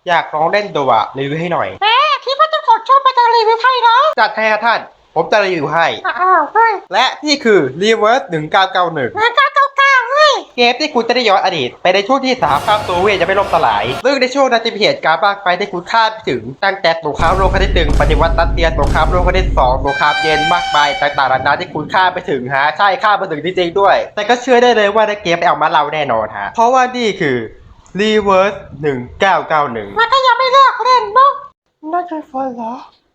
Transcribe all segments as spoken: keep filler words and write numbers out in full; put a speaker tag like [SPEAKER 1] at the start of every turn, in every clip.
[SPEAKER 1] อยากลองเล่นดูอะรีวิวให้หน่อย
[SPEAKER 2] แหมคิดว่าเจ้าของช่องมาจะรีวิวให้เนาะ
[SPEAKER 1] จัดให้ครับท่านผมจะรีวิวให้
[SPEAKER 2] อ้าวเฮ้ย
[SPEAKER 1] และนี่คือ Reverse หนึ่งเก้าเก้าหนึ่ง
[SPEAKER 2] งานเก้าเก้าเก้าเฮ้ย
[SPEAKER 1] เกมที่คุณจะได้ย้อนอดีตไปในช่วงที่สหภาพโซเวียตจะไม่ล่มสลายซึ่งในช่วงนั้นจะมีเหตุการณ์มากไปที่คุณคาดไม่ถึงตั้งแต่สงครามโลกครั้งที่หนึ่งปฏิวัติรัสเซียสงครามโลกครั้งที่สองสงครามเย็นมากมายต่างๆนานาที่คุณคาดไปถึงฮะใช่คาดไปถึงจริงๆด้วยแต่ก็เชื่อได้เลยว่าในเกมไปเอามาเล่าแน่นอนฮะเพราะว่านี่คือ Reverse หนึ่งเก้าเก้าหนึ่ง
[SPEAKER 2] มันก็ยังไม่เลิกเล่นเนาะน่าจะฝนเหรอ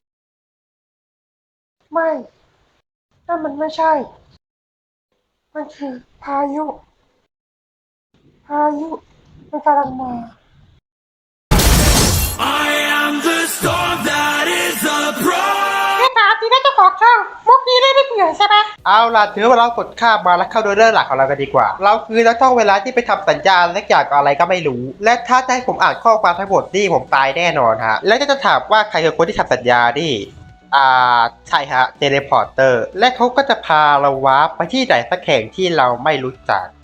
[SPEAKER 2] ไม่นั่นมันไม่ใช่ มันคือพายุ พายุมันกำลังมา
[SPEAKER 3] I am the storm that is a pro.
[SPEAKER 2] แค่ถามทีได้เจ้าของช่องมุกนี้ได้ไม่เบื่อใช่ไหม
[SPEAKER 1] เอาล่ะถือว่าเรากดข้ามมาแล้วเข้าโดยเรื่องหลักของเรากันดีกว่า เราคือนักท่องเวลาที่ไปทำสัญญาณและอย่างอะไรก็ไม่รู้ และถ้าจะให้ผมอ่านข้อความทั้งหมดนี่ผมตายแน่นอนฮะ และจะถามว่าใครคือคนที่ทำสัญญานี่อ่าใช่ฮะเทเลพอร์เตอร์และเขาก็จะพาเราวาร์ปไปที่ไหนสักแห่งที่เราไม่รู้จัก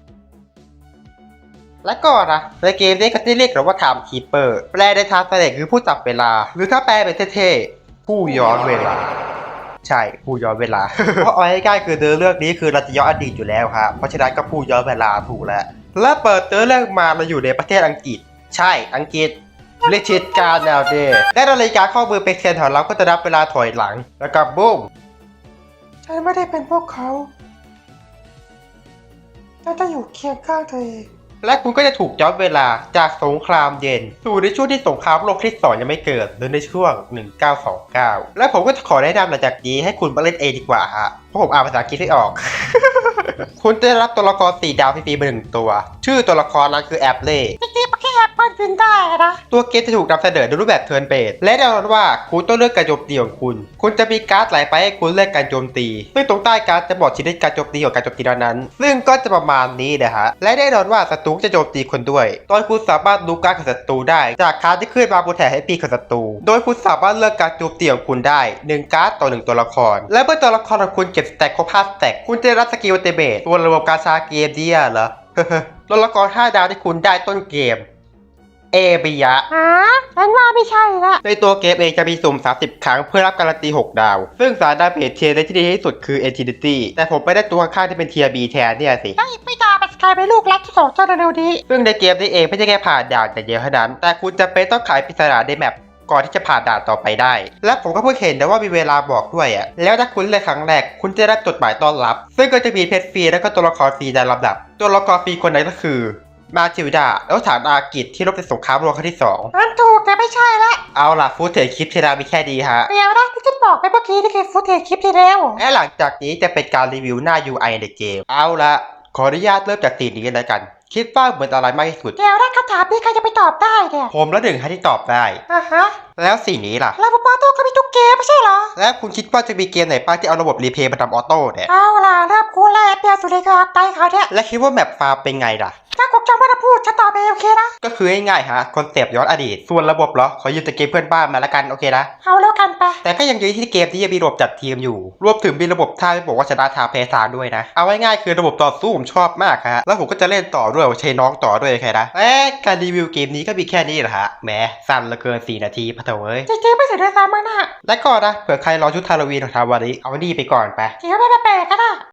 [SPEAKER 1] และก็นะในเกมนี้ก็จะเรียกเราว่า Time Keeper แปลในทางแสดงคือผู้จับเวลา หรือถ้าแปลเป็นเท่ๆผู้ย้อนเวลา ใช่ผู้ย้อนเวลา เพราะเอาง่ายๆคือเนื้อเรื่องนี้คือเราจะย้อนอดีตอยู่แล้วครับเพราะฉะนั้นก็ผู้ย้อนเวลาถูกแล้วและเปิดเนื้อเรื่องมาเราอยู่ในประเทศอังกฤษ ใช่อังกฤษเรียกชิดการแนวเดย์และนาฬิกาข้อมือเป็นเทียนของเราก็จะนับเวลาถอยหลังแล้วก็บุ้ม
[SPEAKER 2] ฉันไม่ได้เป็นพวกเขาฉันจะอยู่เคียงข้างเธอเอง
[SPEAKER 1] และคุณก็จะถูกย้อนเวลาจากสงครามเย็นสู่ในช่วงที่สงครามโลกที่สองยังไม่เกิดหรือในช่วงหนึ่งเก้าสองเก้าและผมก็จะขอแนะนำหลังจากนี้ให้คุณมาเล่นเองดีกว่าฮะเพราะผมอ่านภาษาอังกฤษไม่ออก คุณจะได้รับตัวละครสี่ดาวฟรีๆมาหนึ่งตัวชื่อตัวละครนั้นคือแอปเล่
[SPEAKER 2] จริงๆมันแค่แอปเปิลบินได้นะ
[SPEAKER 1] ตัวเกมจะถูกนำเสนอในรูปแบบเทิร์นเบสและแน่นอนว่าคุณต้องเลือกการโจมตีของคุณ คุณจะมีการ์ดหลายใบให้คุณเลือกการโจมตีซึ่งตรงใต้การ์ดจะบอกชนิดการโจมตีของการโจมตีนั้นซึ่งก็จะประมาณนี้นะฮะและแน่นอนว่าศัตรูจะโจมตีคุณด้วยโดยคุณสามารถดูการ์ดของศัตรูได้จากการ์ดที่ขึ้นมาบนแถบให้ปีของศัตรูโดยคุณสามารถเลือกการโจมตีของคุณได้หนึ่งการ์ดต่อหนึ่งตัวละครและเมื่อตัวละครของคุณเก็บสแต็กครบห้าสแต็กคุณจะได้รับสกิลอัลติเมทตัวระบบการชาเกมเดียเหรอ ตัวละครห้าดาวที่คุณได้ต้นเกมเอบิยะ
[SPEAKER 2] ฮะฉันว่าไม่ใช่ละ
[SPEAKER 1] ในตัวเกมเองจะมีสุ่มสามสิบครั้งเพื่อรับการันตีหกดาว ซึ่งสารดาเมจเทียร์ที่ดีที่สุดคือ Entity แต่ผมไม่ได้ตัวข้างที่เป็นเทียร์ B แทนเนี่ยสิ
[SPEAKER 2] ไอ้ไม่ตาเป็นกลายเป็นลูกรักที่สองเจ้าเร็วๆนี้
[SPEAKER 1] ซึ่งในเกมนี้เองไม่ใช่แค่ผ่านด่านแต่เดียวเท่านั้น แต่คุณจะเป็นต้องขายปริศนาในแมปก่อนที่จะผ่านด่านต่อไปได้ และผมก็เพิ่งเห็นนะว่ามีเวลาบอกด้วยอ่ะ แล้วถ้าคุณเล่นครั้งแรกคุณจะได้จดหมายต้อนรับ ซึ่งก็จะมีเพชรฟรีและก็ตัวละครฟรีในลำดับ ตัวละครฟรีคนนั้นก็คือมาจิลดาแล้วฐานอากิจที่รบในสงครามโลกครั้งที่สอง
[SPEAKER 2] อันถูกแต่ไม่ใช่ละ
[SPEAKER 1] เอาล่ะฟูเทจคลิปที่เรามีแค่ดีฮะ
[SPEAKER 2] เดี๋ยวนะที่ฉันบอกไปเมื่อกี้นี่คือฟุตเทจคลิปที่แล้ว
[SPEAKER 1] และหลังจากนี้จะเป็นการรีวิวหน้า ยู ไอ ในเกม เอาละขออนุญาตเริ่มจากสีนี้แล้วกัน คิดว่าเหมือนอะไรมากที่สุด
[SPEAKER 2] เดี๋ยวนะคำถามนี้ใครจะไปตอบได้เนี่ย
[SPEAKER 1] ผมและหนึ่งให้ที่ตอบได้
[SPEAKER 2] อ่ะฮะ
[SPEAKER 1] แล้วสีนี้ล่ะ
[SPEAKER 2] แล้วปาโต้ก็มีทุกเกมไม่ใช่เหรอ
[SPEAKER 1] แล้วคุณคิดว่าจะมีเกมไหนบ้างที่เอาระบบรีเพย์มาทำออโต้เนี่ย
[SPEAKER 2] เอาล่ะเริ่มกูแล้วเปียสุดเลยก็ไตเขาเนี่ย
[SPEAKER 1] และคิดว่าแมปฟาร์มเป็นไงล่ะ
[SPEAKER 2] ถ้าผมจำไม่ได้พูดฉันตอบไปโอเคนะ
[SPEAKER 1] ก็คือง่ายๆฮะคอนเซปต์ย้อนอดีต ส่วนระบบเหรอ ขอยืมแต่เกมเพื่อนบ้านมาละกันโอเคนะ
[SPEAKER 2] เอาแล้วกันไป
[SPEAKER 1] แต่ก็ยังยืนที่เกมที่ยังมีระบบจัดทีมอยู่ รวมถึงมีระบบท่าที่บอกว่าชนะทางแพ้ทางด้วยนะ เอาง่ายๆคือระบบต่อสู้ผมชอบมากฮะ แล้วผมก็จะเล่นต่อด้วยใช้น้องต่อด้วยโอเคนะเอ๊ะการรีวิวเกมนี้ก็มีแค่นี้แหละฮะแหมสั้นเหลือเกินสี่นาทีพะเถอะเว้ย
[SPEAKER 2] จริงๆไม่เสียดายซ้ำมากนะ
[SPEAKER 1] และก็นะเผื่อใครรอชุดฮาโลวีนของทาวาริเอานี่ไปก่อนไป
[SPEAKER 2] เดี๋ยวไม่แปลกๆก็ได้